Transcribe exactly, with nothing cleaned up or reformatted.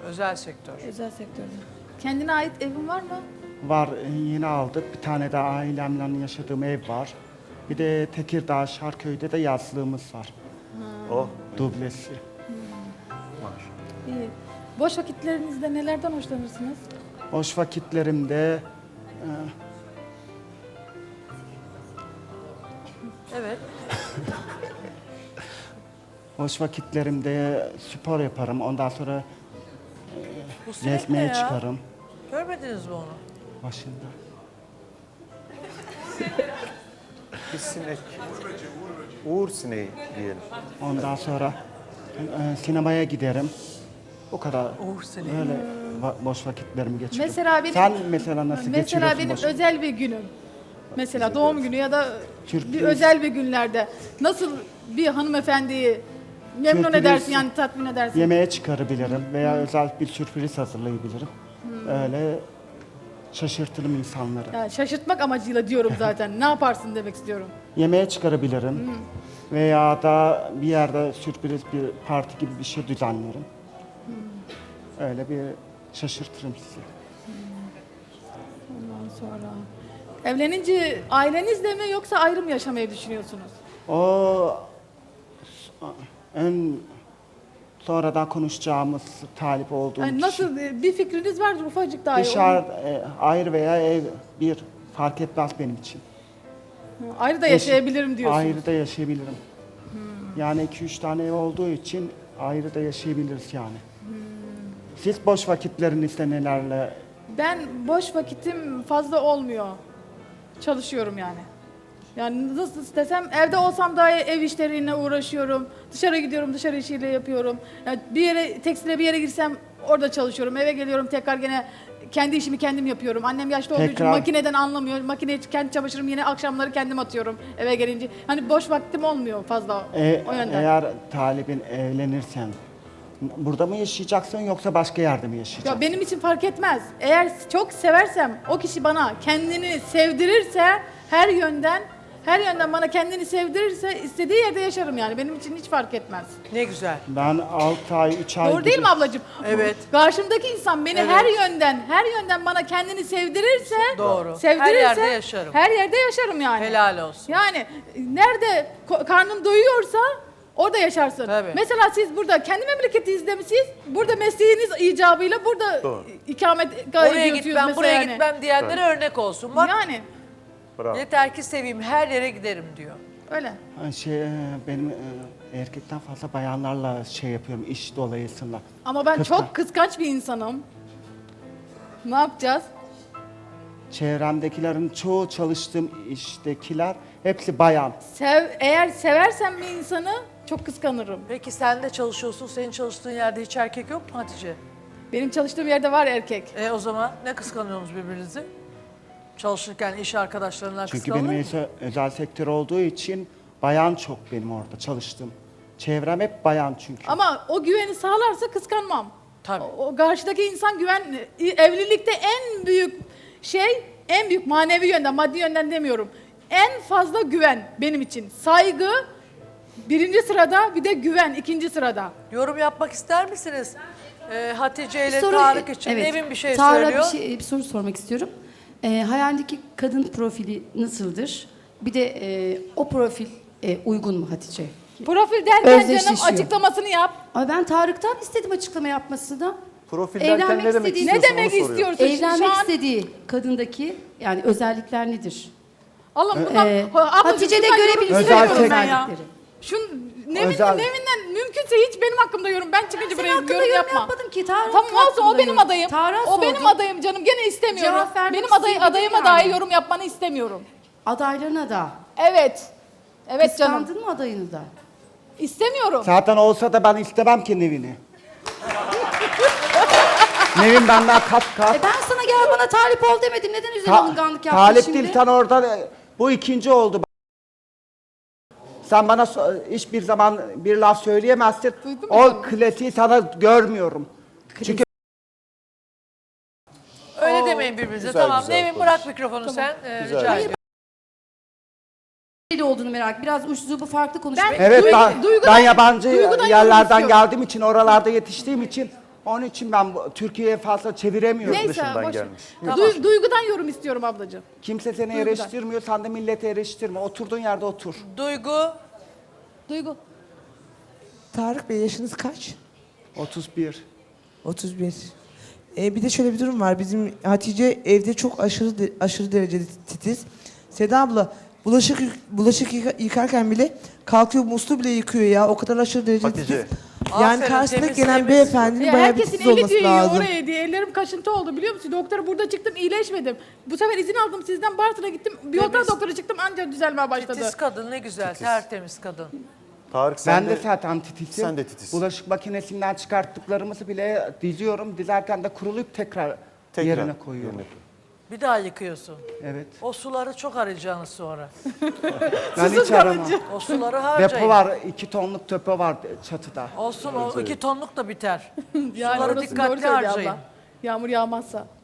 Özel sektör. Özel sektörde. Kendine ait evin var mı? Var, yeni aldık. Bir tane de ailemle yaşadığım ev var. Bir de Tekirdağ, Şarköy'de de yazlığımız var. Oh. Dublesi. İyi. Boş vakitlerinizde nelerden hoşlanırsınız? Boş vakitlerimde e, Evet. boş vakitlerimde spor yaparım. Ondan sonra Bu sinek ne gezmeye ya? çıkarım Görmediniz mi onu? başında. Bir sinek. Uğur sineği diyelim. Ondan sonra e, sinemaya giderim. O kadar. Uğur sineği. Öyle va- boş vakitlerimi geçiririm. Mesela benim, Sen mesela nasıl mesela geçiriyorsun benim boş özel bir günüm. Mesela doğum günü ya da Sürpriz. bir özel bir günlerde nasıl bir hanımefendiyi memnun Sürpriz. edersin yani tatmin edersin? Yemeğe çıkarabilirim veya özel bir sürpriz hazırlayabilirim. Hmm. Öyle şaşırtırım insanları. Yani şaşırtmak amacıyla diyorum zaten. Ne yaparsın demek istiyorum. Yemeğe çıkarabilirim. Veya da bir yerde sürpriz bir parti gibi bir şey düzenlerim. Öyle bir şaşırtırım sizi. Ondan sonra evlenince ailenizle mi yoksa ayrı mı yaşamayı düşünüyorsunuz? O en sonradan konuşacağımız talip olduğum Yani kişi. nasıl bir fikriniz var ufacık dahi. Dışarı, e, ayrı veya ev bir fark etmez benim için. Onu- Ayrı da yaşayabilirim diyorsunuz. Ayrı da yaşayabilirim. Yani iki üç tane ev olduğu için ayrı da yaşayabiliriz yani. Siz boş vakitlerinizde nelerle? Ben boş vakitim fazla olmuyor. Çalışıyorum yani. Yani nasıl istesem evde olsam dahi ev işleriyle uğraşıyorum. Dışarı gidiyorum, dışarı işiyle yapıyorum. Yani bir yere tekstile bir yere girsem orada çalışıyorum. Eve geliyorum tekrar gene kendi işimi kendim yapıyorum. Annem yaşlı olduğu için Tekrar- makineden anlamıyor. Makineye kendi çamaşırımı yine akşamları kendim atıyorum eve gelince. Hani boş vaktim olmuyor fazla E, o yönden. eğer talibin evlenirsen burada mı yaşayacaksın yoksa başka yerde mi yaşayacaksın? Ya benim için fark etmez. Eğer çok seversem, o kişi bana kendini sevdirirse her yönden, her yönden bana kendini sevdirirse istediği yerde yaşarım yani. Benim için hiç fark etmez. Ne güzel. Ben altı ay, üç ay Doğru değil gibi- mi ablacığım? Evet. Karşımdaki insan beni Evet. her yönden, her yönden bana kendini sevdirirse, Doğru. sevdirirse Her yerde yaşarım. Her yerde yaşarım yani. Helal olsun. Yani nerede ko- karnın doyuyorsa orada yaşarsın. Tabii. Mesela siz burada kendi memleketinizde mi siz? Burada mesleğiniz icabıyla burada Doğru. ikamet Oraya ediyorsunuz gitmem, mesela buraya yani. gitmem diyenlere örnek olsun. Bak Yani Bravo. yeter ki seveyim, her yere giderim diyor. öyle. Ha, Şey, e, benim e, erkekten fazla bayanlarla şey yapıyorum iş dolayısıyla. Ama ben Kıskan- çok kıskanç bir insanım. Ne yapacağız? Çevremdekilerin çoğu çalıştığım iştekiler hepsi bayan. Sev, eğer seversem bir insanı çok kıskanırım. Peki sen de çalışıyorsun, senin çalıştığın yerde hiç erkek yok mu Hatice? Benim çalıştığım yerde var erkek. E o zaman ne kıskanıyorsunuz birbirinizi? Çalışırken iş arkadaşlarından Çünkü kıskanılır benim mı? özel, özel sektör olduğu için bayan çok benim orada çalıştığım. Çevrem hep bayan çünkü. Ama o güveni sağlarsa kıskanmam. Tabii. O, o karşıdaki insan güven, evlilikte en büyük şey, en büyük manevi yönden, maddi yönden demiyorum. En fazla güven benim için. Saygı birinci sırada, bir de güven ikinci sırada. Yorum yapmak ister misiniz? Ee, Hatice ile Soru- Tarık için evet. Nevin bir şey Tarık'a söylüyor. Bir, şey, bir soru sormak istiyorum. Ee, hayalindeki kadın profili nasıldır? Bir de e, o profil e, uygun mu Hatice? Profil derken canım Özdeşleşiyor. açıklamasını yap. Ama ben Tarık'tan istedim açıklama yapmasını. Profil derken Evlenmek ne demek istediği- istiyorsun Ne demek onu soruyor. istiyorsun? Evlenmek Şu an- istediği kadındaki yani özellikler nedir? Allah'ım bundan, Ee, ablacığım, Hatice'de şundan yorum görebiliriz Özel istemiyorum ben tek- ya. özellikleri. Şun Nevin, Özel- Nevin'den mümkünse hiç benim hakkımda yorum. Ben çıkınca Senin buraya hakkında yorum yorum yapma. yapmadım ki. Tarık Tamam olsun o hakkında benim yorum. adayım. Tarık'a O benim sordum. adayım canım. Gene istemiyorum. Cevap vermek Benim aday, isteyebilir adayıma yani. dahi yorum yapmanı istemiyorum. Adaylarına da. Evet. Evet canım. Kıskandın mı adayını da? İstemiyorum. Zaten olsa da ben istemem ki Nevin'i. Nevin benden kat kat. E ben sana gel bana talip ol demedim. Neden üzerine Ta- alınganlık yaptın talip şimdi? değil sen orada e, bu ikinci oldu. Sen bana so- hiçbir zaman bir laf söyleyemezsin. Duydun mu O canım? klasiği sana görmüyorum. Çünkü Öyle demeyin birbirinize. Güzel, Tamam güzel Nevin konuş. bırak mikrofonu sen. Ee, Güzel. rica Hayır, ediyorum. Neyle olduğunu merak. Biraz uçsuzluğu farklı konuş. Ben- evet Duygu- ben, duygudan- ben yabancı duygudan yorum yerlerden istiyorum. geldiğim için, oralarda yetiştiğim için Onun için ben bu- Türkiye'ye fazla çeviremiyorum. Neyse dışından boş ver. gelmiş. Du- duygudan yorum istiyorum ablacığım. Kimse seni Duygudan. eleştirmiyor, sen de millete eleştirme. Oturduğun yerde otur. Duygu, Duygu. Tarık Bey yaşınız kaç? otuz bir. otuz bir. Ee, bir de şöyle bir durum var. Bizim Hatice evde çok aşırı de- aşırı derecede titiz. Seda abla bulaşık yık- bulaşık yıka- yıkarken bile kalkıyor musluğu bile yıkıyor ya. O kadar aşırı derecede Hatice. titiz. Yani Aferin, karşısında temiz, gelen temiz. beyefendinin Ya bayağı bir herkesin titiz eli olması değiyor lazım. oraya diye. Ellerim kaşıntı oldu biliyor musun? Doktora burada çıktım iyileşmedim. Bu sefer izin aldım sizden Bartın'a gittim. Bir otel Temiz. doktora çıktım ancak düzelmeye başladı. titiz kadın ne güzel, tertemiz kadın. Tarık sen Ben de de zaten titizim. sen de titizsin. Bulaşık makinesinden çıkarttıklarımızı bile diziyorum. Dizerken de kurulayıp tekrar, tekrar yerine koyuyorum. yerine koy. Bir daha yıkıyorsun. Evet. O suları çok arayacaksınız sonra. Ben hiç aramam. O suları harcayın. Depo var, iki tonluk depo var çatıda. Olsun o iki tonluk da biter. Yani Suları orası doğru dikkatli söylüyor harcayın. abla. Yağmur yağmazsa.